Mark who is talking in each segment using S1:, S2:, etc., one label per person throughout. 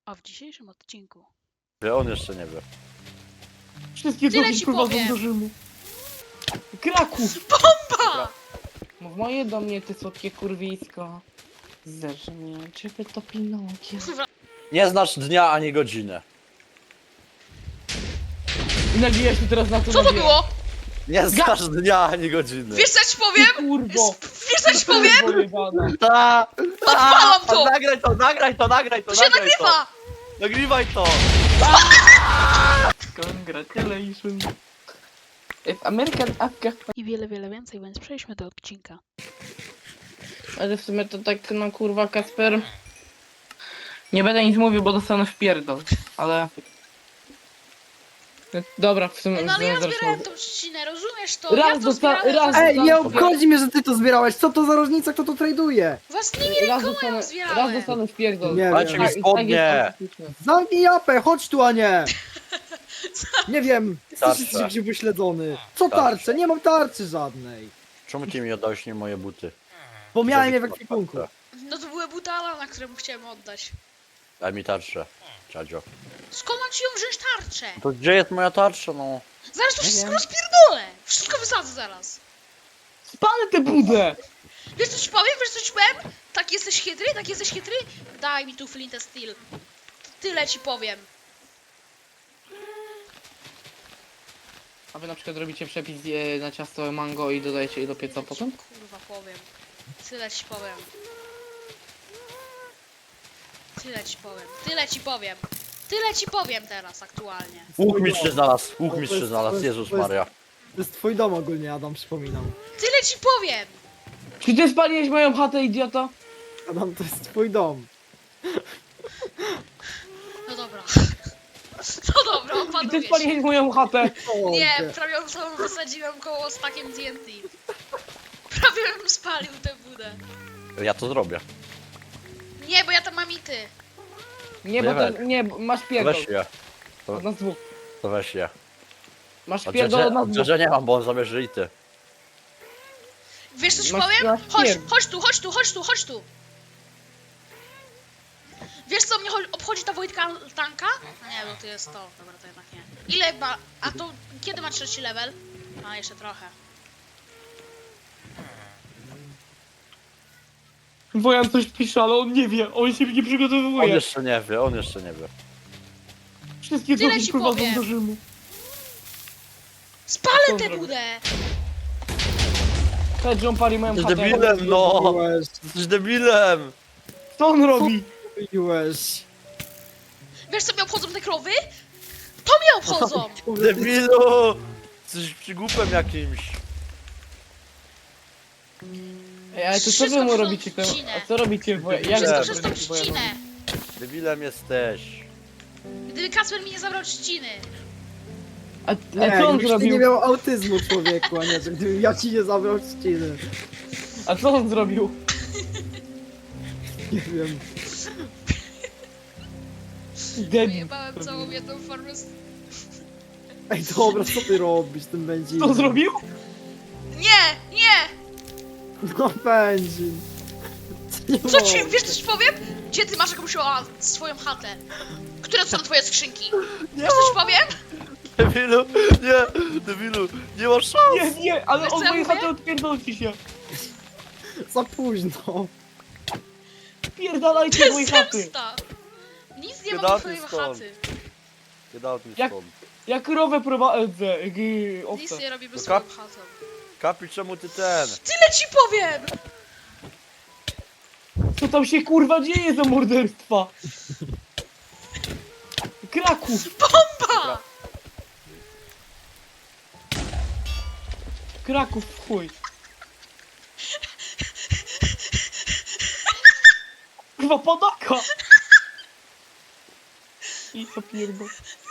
S1: A w dzisiejszym odcinku
S2: Wie, on jeszcze nie wie.
S3: Wszystkie
S1: Tyle
S3: drogi
S1: ci
S3: prowadzą
S1: powiem.
S3: do Rzymu. Kraków!
S1: pa!
S3: Mów moje do mnie, ty słodkie kurwisko. Zerżnie, ciebie to Pinokie.
S2: Nie znasz dnia ani godziny.
S3: I nabijasz mi teraz na to
S1: Co to było?
S2: Nie znasz dnia ani godziny.
S1: Wiesz co ci powiem?
S3: Kurwo!
S1: Wiesz co ci powiem?
S2: Ta,
S1: Odpalam to!
S2: Nagraj to, nagraj to, nagraj to,
S1: To się
S2: nagraj to.
S1: nagrywa!
S2: Nagrywaj to.
S3: Congratulations. If American Afghan...
S1: I wiele, wiele więcej, więc przejdźmy do odcinka.
S3: Ale w sumie to tak, no kurwa, Kasper... Nie będę nic mówił, bo dostanę w pierdol, ale... Dobra, w sumie...
S1: No ale ja
S3: zresztą-
S1: zbierałem tą trzcinę, rozumiesz to?
S3: Raz
S1: Ja to
S3: dosta-
S1: zbierałem
S3: raz-
S1: własnymi,
S4: Ej, nie obchodzi mnie, że ty to zbierałeś. Co to za różnica, kto to traduje?
S1: własnymi
S3: Raz
S1: rękoma ją
S3: dostanę, raz
S1: zbierałem.
S3: dostanę w pierdol.
S4: Nie
S2: Dajcie
S4: wiem.
S2: mi
S3: Tak, i tak
S2: spodnie.
S3: jest autentyczne.
S4: Zamknij japę, chodź tu, a nie! Nie wiem,
S2: Tarczę.
S4: jesteś gdzieś wyśledzony. Co
S2: Tarczę.
S4: tarczę? Nie mam tarczy żadnej.
S2: Czemu ty mi oddałeś nie moje buty?
S4: Bo miałem je w ekwipunku.
S1: No to były butala, na którym chciałem oddać.
S2: Daj mi tarczę, dziadzio.
S1: Skąd mam ci ją wziąć tarczę?
S2: To gdzie jest moja tarcza, no?
S1: Zaraz to
S3: Nie
S1: wszystko
S3: wiem.
S1: rozpierdolę! Wszystko wysadzę zaraz.
S3: Spalę tę budę!
S1: Wiesz co ci powiem? Wiesz co ci powiem? Tak jesteś chytry? Tak jesteś chytry? Daj mi tu flintę steel. Tyle ci powiem.
S3: A wy na przykład robicie przepis na ciasto mango i dodajecie je do pieca
S1: Tyle
S3: potem?
S1: ci, kurwa powiem. Tyle ci powiem. Tyle ci powiem. Tyle ci powiem. Tyle ci powiem teraz aktualnie.
S2: Łuk mi się znalazł, łuk mi
S4: To
S2: się
S4: jest-
S2: znalazł,
S4: to jest-
S2: Jezus
S4: to jest-
S2: Maria.
S4: To jest twój dom ogólnie, Adam, przypominam.
S1: Tyle ci powiem!
S3: Czy ty spaliłeś moją chatę, idioto?
S4: Adam, to jest twój dom.
S1: No dobra. No dobra,
S3: Czy ty
S1: opanujesz.
S3: spaliłeś moją chatę?
S4: O,
S1: Nie,
S4: cię.
S1: prawie ją całą wysadziłem koło stakiem TNT. Prawie bym spalił tę budę.
S2: Ja to zrobię.
S1: Nie, bo ja tam mam i ty.
S3: Nie, bo
S2: Dawaj.
S3: to, nie, bo masz
S2: To
S3: pierdol.
S2: weź je,
S3: Od nas dwóch.
S2: to weź je.
S3: Masz
S2: Od
S3: pierdol od nas dwóch.
S2: dziadzia nie mam, bo on zabierze i ty.
S1: Wiesz co ci
S3: Masz-
S1: powiem?
S3: masz
S1: Chodź,
S3: pierd-
S1: chodź tu, chodź tu, chodź tu, chodź tu. Wiesz co mnie obchodzi ta Wojtka tanka? A nie, bo to jest to. Dobra, to jednak nie. Ile ma... A to kiedy ma trzeci level? A, jeszcze trochę.
S3: Wojan coś pisze, ale on nie wie, on się nie
S2: On
S3: przygotowuje.
S2: jeszcze nie wie, on jeszcze nie wie.
S3: Wszystkie
S1: Tyle
S3: drogi
S1: ci
S3: prowadzą
S1: powiem.
S3: do Rzymu.
S1: Spalę
S3: Co on
S1: tę
S3: zrobi?
S1: budę!
S3: Chodź, że on pali moją
S2: Jesteś
S3: chatę.
S2: debilem, no!
S4: Zrobiłeś,
S2: Jesteś debilem!
S3: Co on robi?
S4: zrobiłeś.
S1: Wiesz co mnie obchodzą te krowy? To mnie obchodzą!
S2: Debilu! Jesteś przygłupem jakimś.
S3: Ej, ale to co
S1: Wszystko
S3: wy mu
S1: przez tą
S3: robicie?
S1: trzcinę.
S3: A co robicie? Jak
S1: Wszystko
S2: Nie.
S1: przez tą trzcinę!
S2: Debilem jesteś.
S1: Gdyby Kacper mi nie zabrał trzciny.
S3: A
S4: Ej,
S3: co on
S4: gdybyś ty nie
S3: zrobił?
S4: miał autyzmu, człowieku, a nie, że gdybym ja ci nie zabrał trzciny.
S3: A co on zrobił?
S4: Nie wiem.
S3: Debil.
S1: Wyjebałem całą jedną formę.
S4: Ej, dobra, co ty robisz tym benzinem?
S3: Co zrobił?
S1: Nie! Nie!
S4: No benzin. Nie
S1: Co ci,
S4: mogę.
S1: wiesz co ci powiem? Gdzie ty masz jakąś swoją chatę? Które to są twoje skrzynki? Wiesz co ci powiem?
S2: Debilu, nie! Debilu, nie masz szans!
S3: Nie, ale
S1: Wiesz,
S3: on
S1: co ja
S3: mojej
S1: mówię?
S3: chaty odpierdolci się.
S4: Za późno.
S3: Pierdalajcie
S1: To
S3: z mojej
S1: jest
S3: chaty.
S1: zemsta! Nic nie ma
S2: Wydatny
S1: do twojej
S2: stąd.
S1: chaty.
S2: Kiedy mi
S3: Jak-
S2: stąd.
S3: Ja krowę prowadzę,
S1: Nic
S3: owce.
S1: nie robimy
S2: No
S1: swoją
S2: kap-
S1: chatą.
S2: Kapi, czemu ty ten?
S1: Tyle ci powiem!
S3: Co tam się kurwa dzieje za morderstwa? Kraków!
S1: Bomba!
S3: Kraków w chuj. Kurwa padaka! I to pierdol.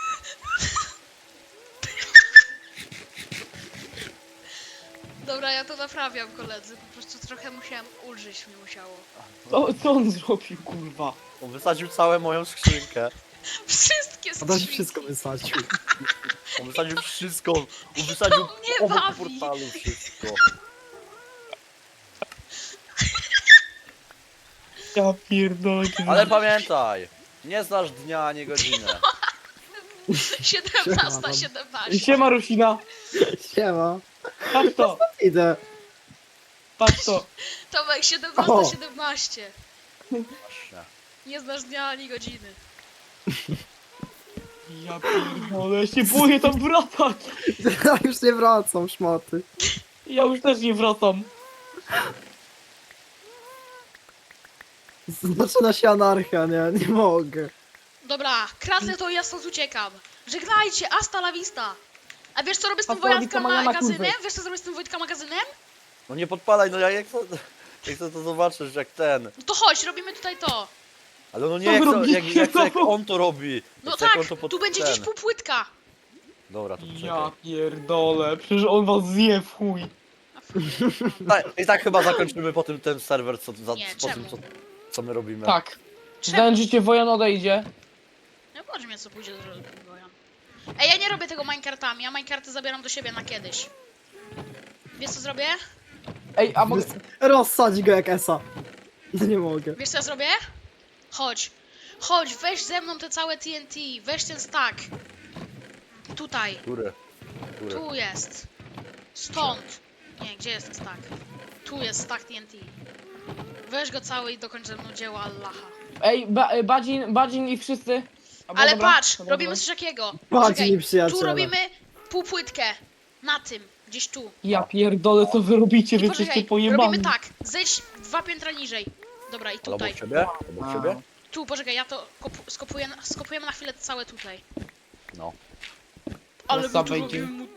S1: Dobra, ja to naprawiam, koledzy. Po prostu trochę musiałem ulżyć, mi musiało.
S3: Co on zrobił, kurwa?
S2: On wysadził całą moją skrzynkę.
S1: Wszystkie
S4: Adaś
S1: skrzynki.
S4: wszystko wysadził.
S2: On wysadził wszystko. On wysadził
S1: mnie
S2: obok
S1: bawi.
S2: portalu wszystko.
S3: Ja pierdolę.
S2: Ale pamiętaj, Nie znasz dnia, ani godzinę.
S1: 17:17.
S3: Siema Rusina.
S4: Siema.
S3: Patrz to,
S4: Idę.
S3: patrz to.
S1: Tomek, 17:17.
S2: Właśnie.
S1: Nie znasz dnia ani godziny.
S3: Ja pierdolę, ja się boję tam wracać.
S4: Ja już nie wracam, szmaty.
S3: Ja już też nie wracam.
S4: Zaczyna się anarchia, nie mogę.
S1: Dobra, kradnę to i ja stąd uciekam. Żegnajcie, hasta la vista. A wiesz co robię z tym
S3: Hasta la
S1: Wojtka
S3: vista, Mariana,
S1: magazynem?
S3: kurwa.
S1: Wiesz co zrobię z tym Wojtka magazynem?
S2: No nie podpalaj, no jak chcę to zobaczyć, jak ten.
S1: No to chodź, robimy tutaj to.
S2: Ale no nie,
S3: Co
S2: jak,
S3: wy
S2: to,
S3: robicie?
S2: jak on to robi.
S1: No
S2: Jak
S1: tak,
S2: on to
S1: tu będzie gdzieś półpłytka.
S2: Dobra, to
S3: Ja
S2: poczekaj.
S3: pierdolę, przecież on was zje w chuj.
S2: I tak chyba zakończymy po tym ten serwer,
S1: Nie,
S2: po
S1: czemu?
S2: tym, co my robimy.
S3: Tak.
S1: Czemu?
S3: Znając życie Wojan odejdzie.
S1: No patrz mnie co pójdzie do Wojan. Ej, ja nie robię tego Minecartami, ja Minecarty zabieram do siebie na kiedyś. Wiesz co zrobię?
S3: Ej, a mogę...
S4: Rozsadź go jak Esa. No nie mogę.
S1: Wiesz co ja zrobię? Chodź. Chodź, weź ze mną te całe TNT, weź ten stack. Tutaj,
S2: Który?
S1: tu jest. Stąd. Nie, gdzie jest ten stack? Tu jest stack TNT. Weź go cały i dokończ ze mną dzieło Allaha.
S3: Ej, Badzin i wszyscy. Albo
S1: Ale
S3: dobra,
S1: patrz,
S3: dobra,
S1: robimy
S3: dobra.
S1: coś takiego.
S4: Badzin
S1: Czekaj,
S4: i przyjaciele.
S1: tu robimy półpłytkę. Na tym, gdzieś tu.
S3: Ja pierdolę, co wy robicie,
S1: I
S3: wy jesteście
S1: poczekaj,
S3: pojebani.
S1: robimy tak. Zejdź 2 piętra niżej. Dobra, i
S2: Ale
S1: tutaj.
S2: obok siebie? Obok
S3: A.
S2: siebie?
S1: Tu, poczekaj, ja to skopujemy na chwilę całe tutaj.
S2: No.
S1: Ale my tu
S3: wejdzie.
S1: robimy...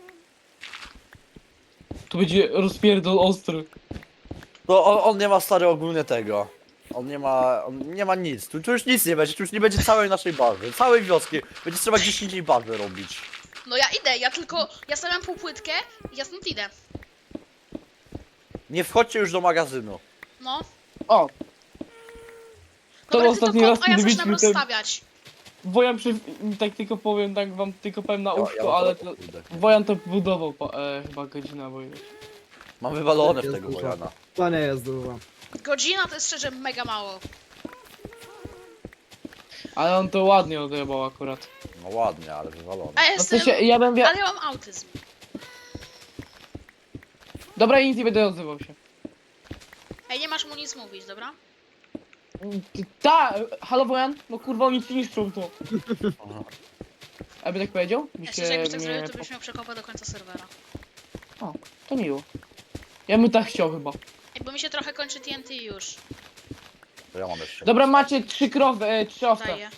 S3: Tu będzie rozpierdol ostry.
S2: To on nie ma stary ogólnie tego. On nie ma nic. Tu już nic nie będzie, tu już nie będzie całej naszej bazy, całej wioski. Będzie trzeba 10 indziej bazę robić.
S1: No ja idę, ja stawiam półpłytkę i ja stąd idę.
S2: Nie wchodźcie już do magazynu.
S1: No.
S3: O,
S1: Dobra, ty
S3: ostatni
S1: to
S3: raz,
S1: kop, a ja
S3: kiedy
S1: zaczynam
S3: byliśmy
S1: rozstawiać.
S3: Wojan tak tylko powiem, tak wam tylko powiem na uszko,
S2: mam
S3: ale
S2: to-
S3: to...
S2: kurde.
S3: Wojan to budował chyba godzina, bo ileś.
S2: Mam wywalone w
S4: Jest
S2: tego
S4: dużo.
S2: Wojana.
S4: To nie jest dużo.
S1: Godzina to jest szczerze mega mało.
S3: Ale on to ładnie odjebał akurat.
S2: No ładnie, ale wywalone.
S1: A ja
S3: No w
S1: jestem...
S3: sensie, ja bym
S1: Ale ja mam autyzm.
S3: Dobra, i nic nie będę odzywał się.
S1: Ej, nie masz mu nic mówić, dobra?
S3: Halo Wojan? No kurwa, oni niszczą to.
S2: Aha.
S3: Aby tak powiedział?
S1: Ja
S3: Byście
S1: szczerze, jakbyś tak
S3: mnie-
S1: zrobił, to byś miał przekopę do końca serwera.
S3: O, to miło. Ja bym tak chciał chyba.
S1: Ej, bo mi się trochę kończy TNT już.
S2: To ja mam jeszcze.
S3: Dobra, macie 3 krowy, 3 owce.
S1: Daję.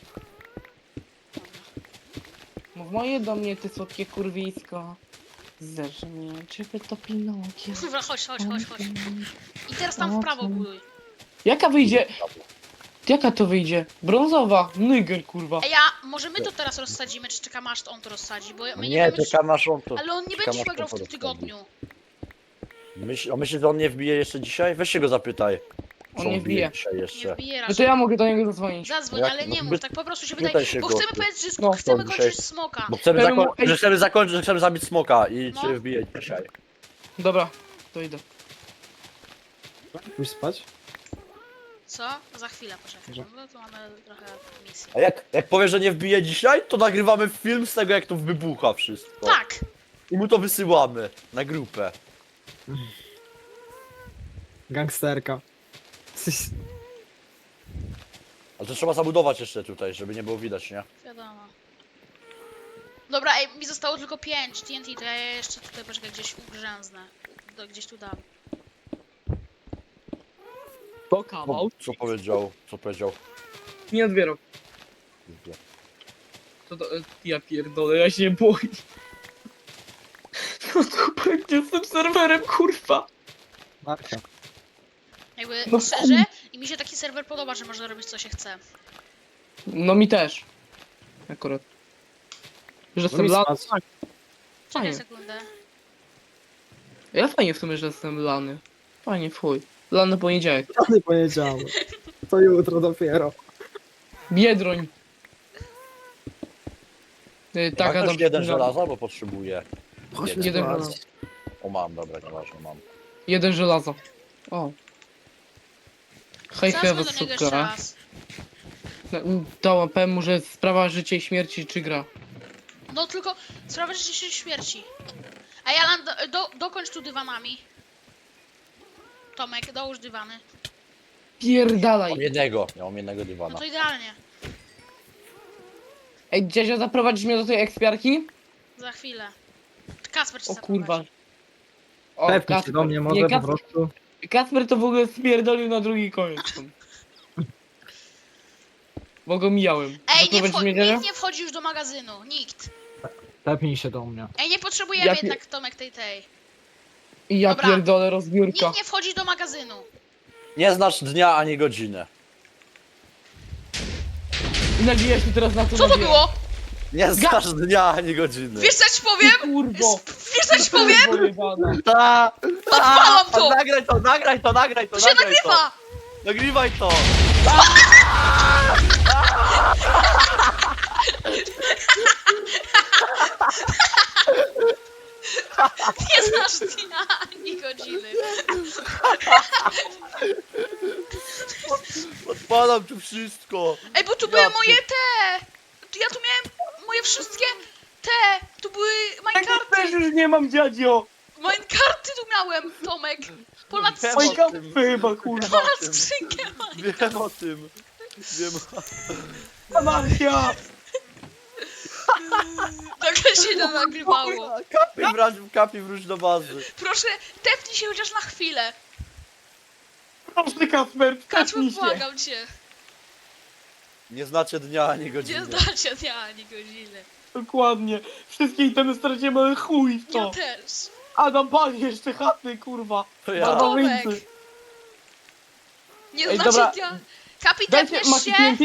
S3: Mów moje do mnie, ty słodkie kurwisko. Zerżnie, ciebie to Pinokie.
S1: Dobra, chodź. I teraz tam w prawo buduj.
S3: Jaka wyjdzie? Jaka to wyjdzie? Brązowa, nyger kurwa.
S1: Ej, może my to teraz rozsadzimy, czy czekamy aż on to rozsadzi, bo my nie
S2: Nie,
S1: wiemy,
S2: czekam aż on to.
S1: ale on nie
S2: czekam,
S1: będzie
S2: aż
S1: chyba grał w
S2: on
S1: tym
S2: to
S1: tygodniu.
S2: Myślisz, że on nie wbije jeszcze dzisiaj? Weź się go zapytaj. Czy
S3: On nie wbije.
S2: dzisiaj
S1: Nie
S2: jeszcze.
S1: wbije
S3: No to
S1: raczej.
S3: ja mogę do niego zadzwonić.
S1: Zadzwoń,
S2: Jak-
S1: ale nie
S2: no,
S1: mów, tak po prostu się
S2: pytaj
S1: wydaje,
S2: się
S1: bo
S2: go,
S1: chcemy
S2: ty.
S1: powiedzieć, że
S3: No,
S1: chcemy
S2: to
S1: kończyć
S2: dzisiaj-
S1: smoka.
S2: Bo chcemy,
S3: Ej,
S2: zakończyć,
S3: ej.
S2: że chcemy zakończyć, że chcemy zabić smoka i
S1: No.
S2: czy wbije dzisiaj.
S3: Dobra, to idę.
S4: Pójdź spać?
S1: Co? Za chwilę, poczekaj, no to mamy trochę misji.
S2: A jak powiesz, że nie wbije dzisiaj, to nagrywamy film z tego, jak to wybucha wszystko.
S1: Tak!
S2: I mu to wysyłamy na grupę.
S4: Gangsterka.
S2: Ale to trzeba zabudować jeszcze tutaj, żeby nie było widać, nie?
S1: Wiadomo. Dobra, ej, mi zostało tylko 5 TNT, to ja je jeszcze tutaj, poczekaj, gdzieś ugrzęznę. Gdzieś tu dam.
S3: To kawał.
S2: Co powiedział? Co powiedział?
S3: Nie odbierał. Ja pierdolę, ja się boję. No to będzie z tym serwerem, kurwa.
S4: Anarchia.
S1: Jakby,
S3: No
S1: szczerze, i mi się taki serwer podoba, że można robić co się chce.
S3: No mi też. Akurat. Że
S4: No
S3: jestem
S4: mi
S3: lany.
S4: spać.
S1: Czekaj
S3: Fajnie.
S1: sekundę.
S3: Ja fajnie w sumie, że jestem lany. Fajnie, fuj. Lany poniedziałek.
S4: Żadny poniedziałek. To jutro dopiero.
S3: Biedroń.
S2: Tak,
S3: Taka
S2: też jeden żelaza, bo potrzebuję.
S4: Chodźmy
S3: Jeden
S4: spać.
S3: żelazo.
S2: O mam, dobra, nieważne, mam.
S3: Jeden żelazo. O. Hej,
S1: Zadzwoń
S3: hewa
S1: do niego jeszcze
S3: suka.
S1: raz.
S3: Powiem mu, że sprawa życia i śmierci czy gra.
S1: No tylko sprawa życia czy śmierci. Ej, Alan, dokończ tu dywanami. Tomek, dołóż dywany.
S3: Pierdalaj!
S2: Mam jednego, ja mam jednego
S1: No
S2: dywana.
S1: to idealnie.
S3: Ej, Dziadzia, zaprowadzisz mnie do tej ekspiarki?
S1: Za chwilę. Kasper cię
S3: O kurwa.
S1: zaprowadzi.
S3: O,
S4: Pepnij się do mnie może po prostu.
S3: Kacper to w ogóle spierdolił na drugi koniec. Bo go mijałem.
S1: Ej,
S3: Zaprowadzisz mnie, Dziadzia?
S1: nikt nie wchodzi już do magazynu. Nikt.
S4: Pepnij się do mnie.
S1: Ej, nie potrzebujemy
S3: Ja
S1: jednak, Tomek, tej.
S3: I ja
S1: Dobra.
S3: pierdolę rozbiórka.
S1: Nikt nie wchodzi do magazynu.
S2: Nie znasz dnia ani godziny.
S3: I nabijasz mi teraz na to
S1: Co to było?
S2: Nie znasz dnia ani godziny.
S1: Wiesz co ci powiem?
S3: Kurwo!
S1: Wiesz co ci powiem?
S3: Kurwo jebana.
S2: Ta,
S1: Odpalam to!
S2: Nagraj to, nagraj to, nagraj to,
S1: To się
S2: nagraj
S1: nagrywa!
S2: to. Nagrywaj to.
S1: Nie znasz dnia ani godziny.
S2: Odpalam tu wszystko.
S1: Ej, bo tu
S2: Ja
S1: były
S2: pier-
S1: moje te! Ja tu miałem moje wszystkie te! Tu były
S3: Ja też
S1: minecarty!
S3: już nie mam, dziadzio!
S1: Minecarty tu miałem, Tomek! Ponad
S2: Wiem
S3: Oj,
S2: o
S1: skrzynkę,
S2: tym.
S3: chyba, kurwa.
S1: ponad skrzynkę mam.
S2: Wiem o tym. Wiem.
S3: Anarchia!
S1: Tak się to nagrywało.
S2: Kapi wróć do bazy.
S1: Proszę, tepnij się chociaż na chwilę.
S3: Proszę, Kacper,
S1: Kacper,
S3: wstecznij się!
S1: błagam cię.
S2: Nie znacie dnia ani
S1: Nie
S2: godziny.
S1: znacie dnia ani godziny.
S3: Dokładnie. Wszystkie itemy straciłem, ale chuj w
S1: Ja
S3: to.
S1: też.
S3: Adam, pali jeszcze chaty, kurwa.
S2: To ja.
S1: Tomek.
S3: Barbarzyńcy.
S1: Nie
S3: Ej,
S1: znacie
S3: dobra.
S1: dnia. Kapi,
S3: Dajcie,
S1: tepniesz
S3: macie
S1: się?
S3: TNT?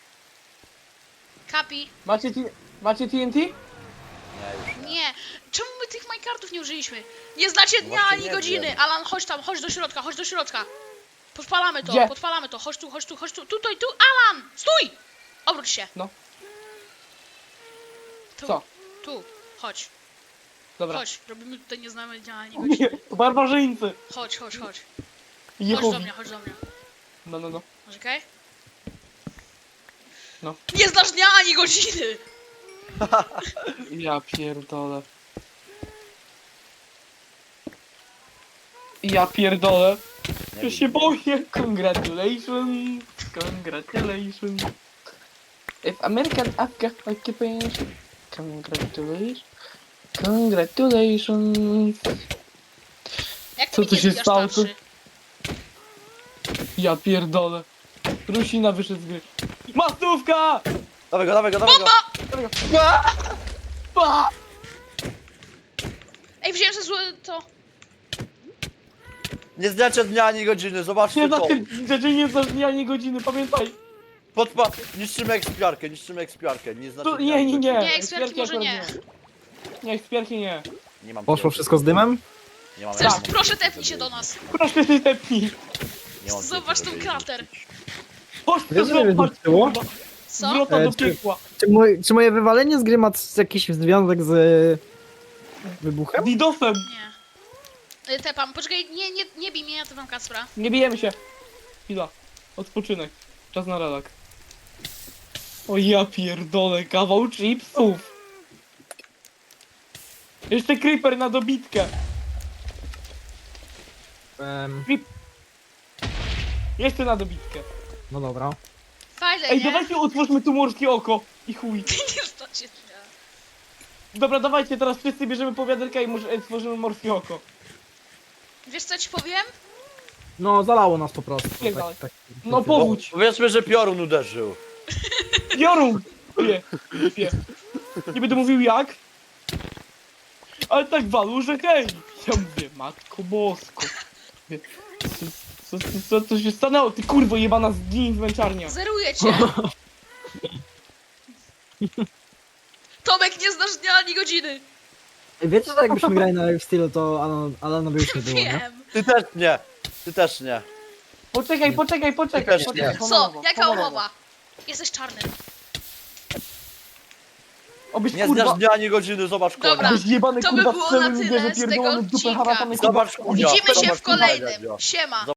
S1: Kapi.
S3: Macie TNT?
S2: Nie, już nie.
S1: Nie. Czemu my tych minecartów nie użyliśmy? Nie znacie dnia
S2: Właśnie
S1: ani
S2: nie
S1: godziny.
S2: wiem.
S1: Alan, chodź tam, chodź do środka, chodź do środka. Podpalamy to,
S3: Gdzie?
S1: podpalamy to. Chodź tu, chodź tu, chodź tu. Tutaj, tu. Alan! Stój! Obróć się.
S3: No.
S1: Tu,
S3: Co?
S1: tu. Chodź,
S3: Dobra.
S1: chodź. Robimy tutaj nie znamy dnia ani
S3: Nie,
S1: godziny.
S3: to barbarzyńcy.
S1: Chodź, chodź, chodź. Chodź do
S3: Jehowi.
S1: mnie, chodź do mnie.
S3: No, no, no.
S1: Masz okej?
S3: No.
S1: Nie znasz dnia ani godziny!
S3: Ja pierdolę. Ja pierdolę.
S2: Nie
S3: Ja
S2: wiem.
S3: się boję. Congratulations. Congratulations. If American Afghan occupation. Congratulations. Congratulations.
S1: Jak ty
S3: Co
S1: mi
S3: tu
S1: nie
S3: się
S1: zbijasz
S3: stało?
S1: tarczy?
S3: Ja pierdolę. Rusina wyszedł z gry. Masówka!
S2: Dawaj go, dawaj go, dawaj go.
S3: Pa!
S1: Ej, wziąłem sobie złe to.
S2: Nie znacie dnia ani godziny, zobaczcie
S3: Nie za
S2: to.
S3: tym rzeczy nie znasz dnia ani godziny, pamiętaj.
S2: Niszczymy ekspiarkę, niszczymy ekspiarkę. Nie znacie
S3: To,
S2: dnia
S3: nie,
S2: ani
S3: nie, nie.
S2: godziny.
S1: Nie, ekspiarki może
S3: akurat
S1: nie.
S3: Nie, ekspiarki nie.
S2: Nie mam
S4: Poszło
S2: pieniędzy.
S4: wszystko z dymem?
S2: Nie mam
S1: Chcesz,
S2: nie mam
S1: proszę
S2: pieniędzy,
S1: tepnij się
S2: żeby
S1: do nas.
S3: Proszę ty tepnij.
S2: Nie mam
S1: Zobacz
S2: pieniędzy,
S1: ten
S2: żeby
S1: krater.
S2: jeździć.
S3: Chodź,
S4: Wiesz,
S3: to
S4: że mnie
S3: zobacz,
S4: zniszczyło?
S3: kurwa.
S1: Co?
S3: Wrota do
S4: Czy-
S3: piekła.
S4: Czy moje wywalenie z gry ma jakiś związek z wybuchem?
S3: Didosem.
S1: Nie. Tepam, poczekaj, nie bij mnie, ja tepam Kacpra.
S3: Nie bijemy się. Chwila. Odpoczynek. Czas na relaks. O ja pierdolę, kawał chipsów. Jeszcze creeper na dobitkę. Jeszcze na dobitkę.
S4: No dobra.
S1: Fajne,
S3: Ej,
S1: nie?
S3: dawajcie otwórzmy tu morskie oko. I chuj.
S1: Nie znacie dnia.
S3: Dobra, dawajcie, teraz wszyscy bierzemy po wiaderka i tworzymy morskie oko.
S1: Wiesz co ci powiem?
S4: No zalało nas po prostu.
S3: Pierdolę. No powódź.
S2: Powiedzmy, że piorun uderzył.
S3: Biorą! Wie. Nie będę mówił jak. Ale tak walu, że hej. Ja mówię, matko bosko. Co to się stanęło? Ty kurwo jebana zgiń w męczarnia.
S1: Zeruję cię. Tomek, nie znasz dnia ani godziny.
S4: Wiecie, że jakbyśmy grali na stylu, to Alana by już nie było, nie?
S1: Wiem.
S2: Ty też nie. Ty też nie.
S3: Poczekaj.
S2: Też nie.
S1: Co? Jaka umowa? Jesteś czarnym.
S3: Obyś
S2: Nie
S3: kurwa...
S2: znasz dnia ani godziny, zobacz konia.
S1: Dobra.
S3: Obyś jebany
S1: To by
S3: kurwa
S1: było
S3: w celu
S1: na tyle
S3: bierze
S1: z tego
S3: pierdolony w dupę
S1: odcinka.
S3: haratany
S2: Zobacz kunia.
S1: Widzimy się
S2: zobacz
S1: w
S2: kunia,
S1: kolejnym.
S2: Jadzio.
S1: Siema.